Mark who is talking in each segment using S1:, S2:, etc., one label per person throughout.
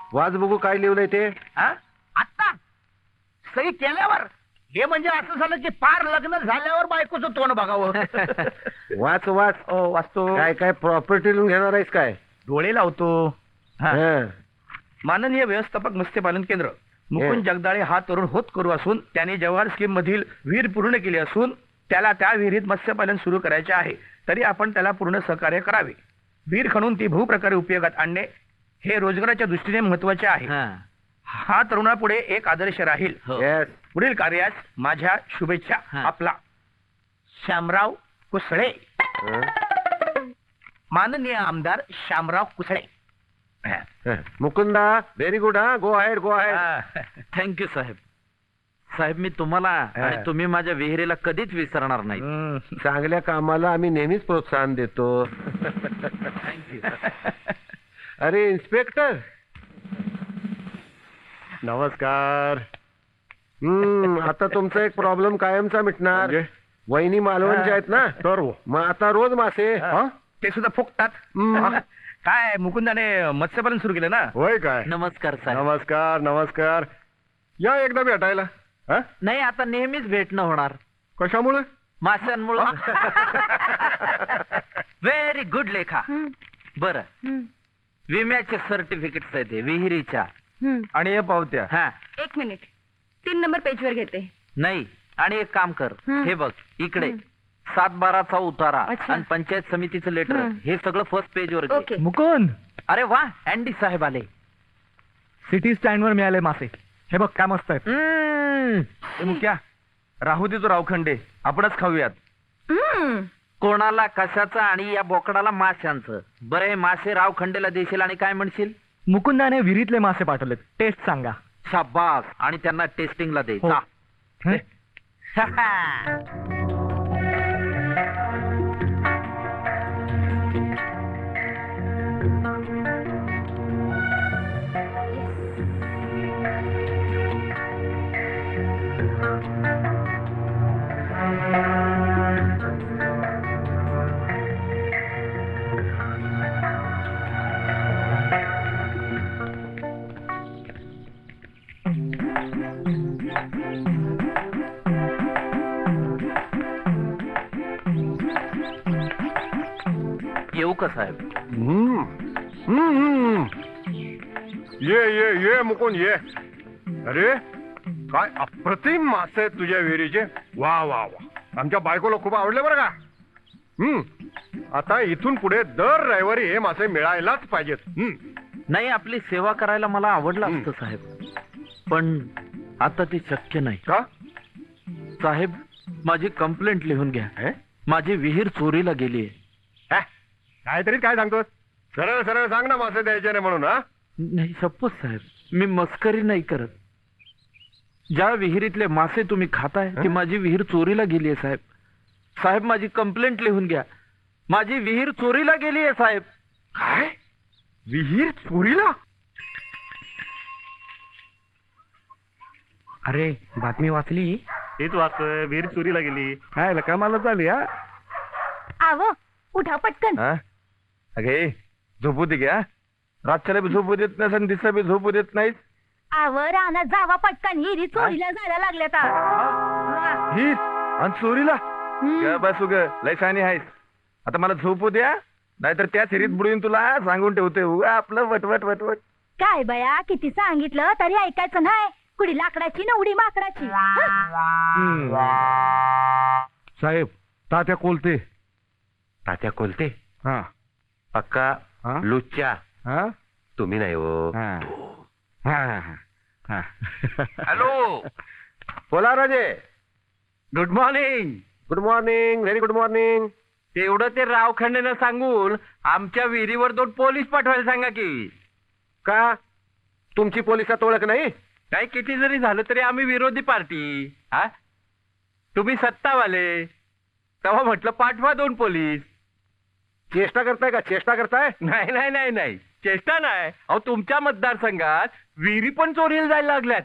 S1: वाच बघू काय लिहिलंय ते.
S2: आता सही केल्यावर हे म्हणजे असं झालं की पार लग्न झाल्यावर बायकोचं तोंड बघावं.
S1: वाच वाच.
S2: वाचतो.
S1: काय काय प्रॉपर्टी लिहून घेणार आहेस काय?
S2: डोळे लावतो.
S1: हं.
S2: माननीय व्यवस्थापक मत्स्यपालन केंद्र मुकुंद जगदाळे हा तरुण होतकरू असून त्याने जवाहर स्कीम मधील विहीर पूर्ण केली असून त्याला त्या विहिरीत मत्स्यपालन सुरू करायचे आहे. तरी आपण त्याला पूर्ण सहकार्य करावे. विहीर खणून ती बहुप्रकारे उपयोगात आणणे हे रोजगाराच्या दृष्टीने महत्वाचे आहे. हा तरुणापुढे एक आदर्श राहील.
S1: Yes.
S2: पुढील कार्यास माझ्या शुभेच्छा. आपला श्यामराव कुसळे.
S1: हं.
S2: माननीय आमदार श्यामराव कुसळे.
S1: Mukunda very good. हा go ahead go ahead.
S3: Thank you साहेब. साहेब मी तुम्हाला आणि तुम्ही माझ्या विहिरीला कधीच विसरणार नाही.
S1: चांगल्या कामाला आम्ही नेहमीच प्रोत्साहन देतो. अरे इन्स्पेक्टर
S4: नमस्कार.
S1: आता तुमचा एक प्रॉब्लेम कायमचा मिटणार.
S4: म्हणजे?
S1: वहिनी मालवणच्या आहेत ना,
S4: सर्व
S1: मग आता रोज मासे.
S2: ते सुद्धा फुकतात. काय मुकुंदाने मत्स्यपालन सुरू केलं ना.
S4: होय काय?
S3: नमस्कार साहेब.
S4: नमस्कार नमस्कार. या एकदा भेटायला. हा?
S3: नाही आता नेहमीच भेटणं होणार.
S4: कशामुळे?
S3: माशांमुळं. व्हेरी गुड लेखा. बर विम्याचे सर्टिफिकेट आहेत हे विहिरीच्या
S2: आणि हे पावत्या.
S3: हा
S5: 1 मिनिट 3 नंबर पेज वर घेते.
S3: नाही आणि एक काम कर हे बघ इकडे 7/12चा उतारा
S5: अच्छा.
S3: आणि पंचायत समितीचं लेटर हे सगळं फर्स्ट पेज वर घे.
S5: ओके.
S2: मुकुंद
S3: अरे वा अँडी साहेब आले.
S2: सिटी स्टँड वर मिळाले मासे. हे बघ काय मस्त आहेत. मुख्या राहू दे तो रावखंडे आपणच खाऊयात.
S3: कोणाला कशाचं आणि या बोकडाला माशांचं. बरे मासे रावखंडेला देशील आणि काय म्हणशील?
S2: मुकुंदाने विहिरीतले मासे पाठवलेत. टेस्ट सांगा.
S3: शाबास. आणि त्यांना टेस्टिंगला दे.
S2: हो.
S3: जा. येऊ का साहेब?
S4: ये मुकुंद ये. अरे काय अप्रतिम मासे आहेत तुझ्या विहिरीचे. वा वा वा. आमच्या बायकोला खूप आवडले बरं का. आता इथून पुढे दर रविवारी हे मासे मिळायलाच पाहिजेत.
S3: नाही आपली सेवा करायला मला आवडलं असतं साहेब, पण आता ते शक्य नाही.
S4: का
S3: साहेब माझी कंप्लेंट लिहून घ्या. माझी विहीर चोरीला गेली.
S4: काहीतरी काय सांगतोस? सरळ सरळ सांग ना मासे द्यायचे नाही म्हणून. हा
S3: नाही सपोज साहेब मी मस्करी नाही करत. ज्या विहिरीतले मासे तुम्ही खाताय ती माझी विहीर चोरीला गेली आहे साहेब. साहेब माझी कंप्लेंट लिहून घ्या. माझी विहीर चोरीला गेली आहे साहेब.
S4: काय? विहीर चोरीला?
S2: अरे बातमी वाचली.
S4: हेच वाचतोय. विहीर चोरीला गेली.
S2: काय कमालच झाली. हा
S5: आवो उठा पटकन.
S2: अगे झोपू दे घ्या. रातच्याला बी झोपू देत नाही आणि दिसा बी झोपू देत नाहीत.
S5: आव रानात जावा पटकन. हिरी चोरीला जायला लागल्यात.
S2: ही आणि चोरीला बसू ग लय शानी आहेस. आता मला झोपू द्या नाहीतर त्या सिरीत बुडून तुला सांगून ठेवते उगा आपलं वटवट वटवट.
S5: काय बया किती सांगितलं तरी ऐकायचं नाही. कुडी लाकडाची ना उडी माकडाची.
S1: साहेब तात्या कोलते.
S2: तात्या कोलते.
S1: हा
S2: अक्का
S1: हा?
S2: लुच्च्या.
S1: हा
S2: तुम्ही नाही हो.
S3: हॅलो
S1: बोला Raje.
S3: Good morning.
S1: Good morning. Very good morning.
S3: तेवढं ते रावखंडेनं सांगून आमच्या विहिरीवर 2 पोलीस पाठवायला सांगा की.
S1: का तुमची पोलिसात ओळख नाही?
S3: काय किती जरी झालं तरी आम्ही विरोधी पार्टी. हा तुम्ही सत्तावाले. तेव्हा म्हटलं पाठवा 2 पोलीस.
S1: चेष्टा करताय का? चेष्टा करताय?
S3: नाही नाही नाही नाही चेष्टा नाही. अहो तुमच्या मतदारसंघात विहिरी पण चोरीला जायला लागल्यात.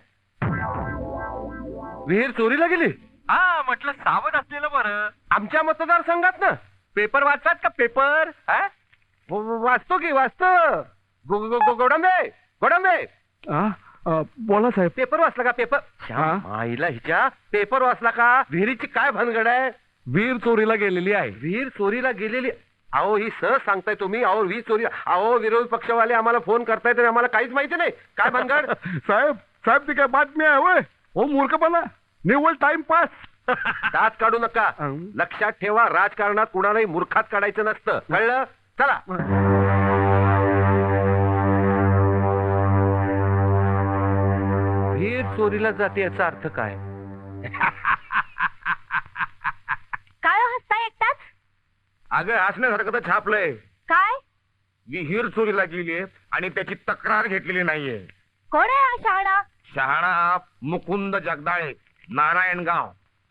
S1: विहीर चोरीला गेली?
S3: हा म्हटलं सावध असलेलं बरं.
S1: आमच्या मतदारसंघात ना?
S3: पेपर वाचतात का पेपर?
S1: वाचतो की वाचतो. गोडंबे कोडंबे
S3: बोला साहेब.
S1: पेपर वाचला का पेपर?
S3: हा?
S1: आईला हिच्या पेपर वाचला का? विहिरीची काय भानगड आहे?
S3: विहीर चोरीला गेलेली आहे.
S1: विहीर चोरीला गेलेली? अहो ही सहज सांगताय तुम्ही. अहो विहीर चोरी, अहो विरोधी पक्षवाले आम्हाला फोन करतायत आणि आम्हाला काहीच माहिती नाही. काय भानगड?
S3: साहेब साहेब ती काय बातमी आहे होय? हो मूर्खपणा, निव्वळ टाइमपास.
S1: दात काढू नका. लक्षात ठेवा, राजकारणात कुणालाही मूर्खात काढायचं नसतं, कळलं? चला. विहीर चोरीला जाते याचा अर्थ काय?
S5: काय हो हसताय एकटाच?
S4: अगं हसण्यासारखं तर छापलंय.
S5: काय?
S4: विहीर चोरीला गेलीये आणि त्याची तक्रार घेतलेली नाहीये.
S5: कोण आहे हा शहाणा?
S4: शहाणा मुकुंद जगदाळे, नारायणगाव.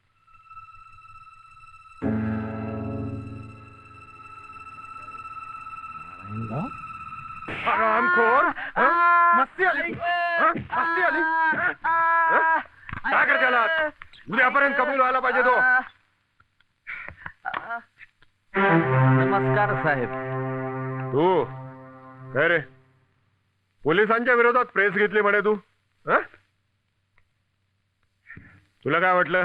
S4: हरामखोर. हं? मस्ती आली? हं? मस्ती आली? हं? काय करते आला? उद्यापर्यंत कबूल व्हायला पाहिजे तो.
S3: नमस्कार साहेब.
S4: तू काय रे, पोलिसांच्या विरोधात प्रेस घेतली म्हणे तू? हं? तुला काय वाटलं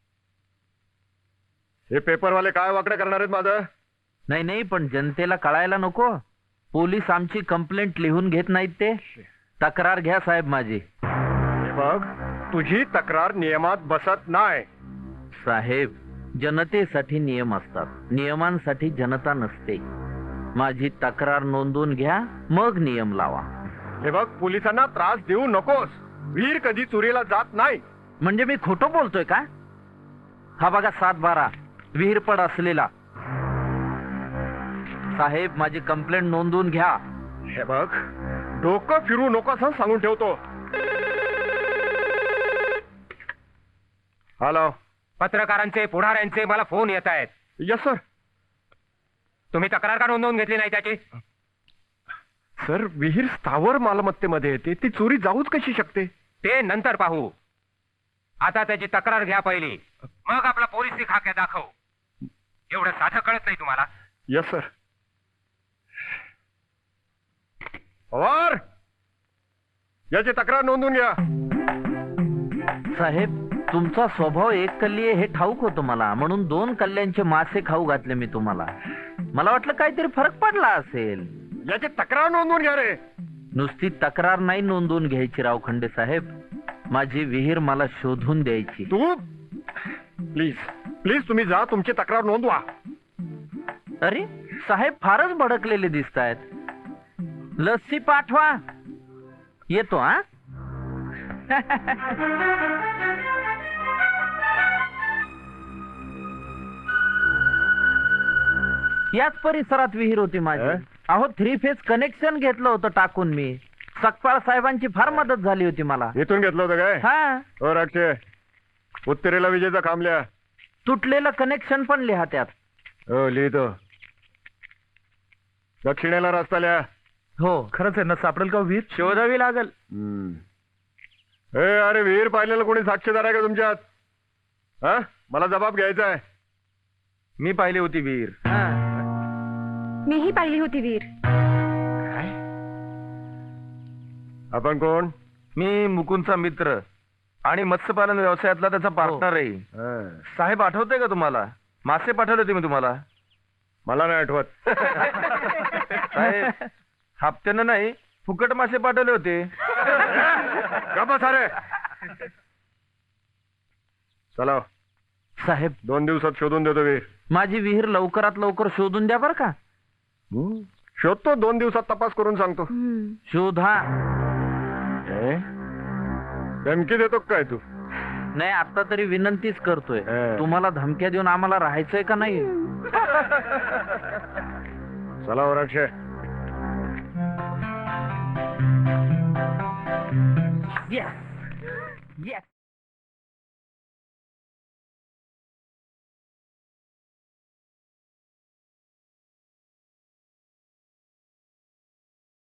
S4: हे पेपरवाले काय वाकडं करणार आहेत माझं?
S3: नाही नाही, पण जनतेला कळायला नको. पोलीस आमची कंप्लेंट लिहून घेत नाहीत ते. तक्रार घ्या साहेब माझी.
S4: हे बघ, तुझी तक्रार नियमात बसत नाही.
S3: साहेब, जनतेसाठी नियम असतात, नियमांसाठी जनता नसते. माझी तक्रार नोंदवून घ्या, मग नियम लावा.
S4: हे बघ, पोलिसांना त्रास देऊ नकोस. वीर कधी चोरीला जात नाही.
S3: म्हणजे मी खोटं बोलतोय का? हा बघा 7/12 विहीर पड असलेला. साहेब माझी कंप्लेंट नोंदवून घ्या.
S4: हे बघ, डोकं फिरू नकोस हं, सांगून ठेवतो. हॅलो.
S1: पत्रकारांचे, पुढाऱ्यांचे मला फोन येत आहेत.
S4: Yes sir.
S1: तुम्ही तक्रार का नोंदवून घेतली नाही त्याची?
S4: सर, विहीर स्थावर मालमत्तेमध्ये येते, ती चोरी जाऊच कशी शकते?
S1: ते नंतर पाहू. आता त्याची तक्रार घ्या पहिली, मग आपला पोलिसी खाक्या दाखव. एवढं साधं कळत नाही तुम्हाला?
S4: Yes sir. पवार, याची तक्रार नोंदवून घ्या.
S3: साहेब तुमचा स्वभाव एक कल्ली आहे हे ठाऊक होतं मला, म्हणून 2 कल्ल्यांचे मासे खाऊ घातले मी तुम्हाला. मला वाटलं काहीतरी फरक पडला असेल.
S4: याची तक्रार नोंदवून घ्या रे.
S3: नुसती तक्रार नाही नोंदवून घ्यायची रावखंडे साहेब, माझी विहीर मला शोधून द्यायची.
S4: तू प्लीज प्लीज तुम्ही जा, तुमची तक्रार नोंदवा.
S3: अरे साहेब फारच भडकलेले दिसतायत. लस्सी पाठवा, येतो हा. याच परिसरात विहीर होती माझी. अहो 3 फेज कनेक्शन घेतलं होतं टाकून मी. सकपाळ साहेबांची फार मदत झाली होती मला.
S4: इथून घेतलं होतं काय?
S3: हा,
S4: हो राक्षे, उत्तरेला विजेचा खांब लिहा.
S3: तुटलेलं कनेक्शन पण लिहा त्यात.
S4: हो लिहितो. दक्षिणेला रस्ता लिहा.
S3: हो.
S2: खरंच आहे ना, सापडेल का विहीर?
S3: शोधावी लागल.
S4: अरे विहीर पाहिलेलं कोणी साक्षीदार आहे का तुमच्यात? हा, मला जबाब घ्यायचा आहे.
S2: मी पाहिली होती विहीर.
S5: मीही पाहिली होती वीर.
S4: आपण कोण?
S2: मी मुकुंदचा मित्र आणि मत्स्यपालन व्यवसायातला त्याचा पार्टनर आहे.
S4: हा,
S2: साहेब आठवतंय का तुम्हाला? मासे पाठवले होते मी तुम्हाला.
S4: मला नाही आठवत.
S2: साहेब हप्त्यानं नाही, फुकट मासे पाठवले होते.
S4: का बस अरे. चला,
S3: साहेब
S4: 2 दिवसात शोधून देतो विहीर.
S3: माझी विहीर लवकरात लवकर शोधून द्या बरं का.
S4: शोधतो, 2 दिवसात तपास करून सांगतो.
S3: शोधा.
S4: धमकी देतो काय तू?
S3: नाही आता तरी विनंतीच करतोय. तुम्हाला धमक्या देऊन आम्हाला राहायचंय का नाही?
S4: चला वराक्षे.
S3: Yes. Yes.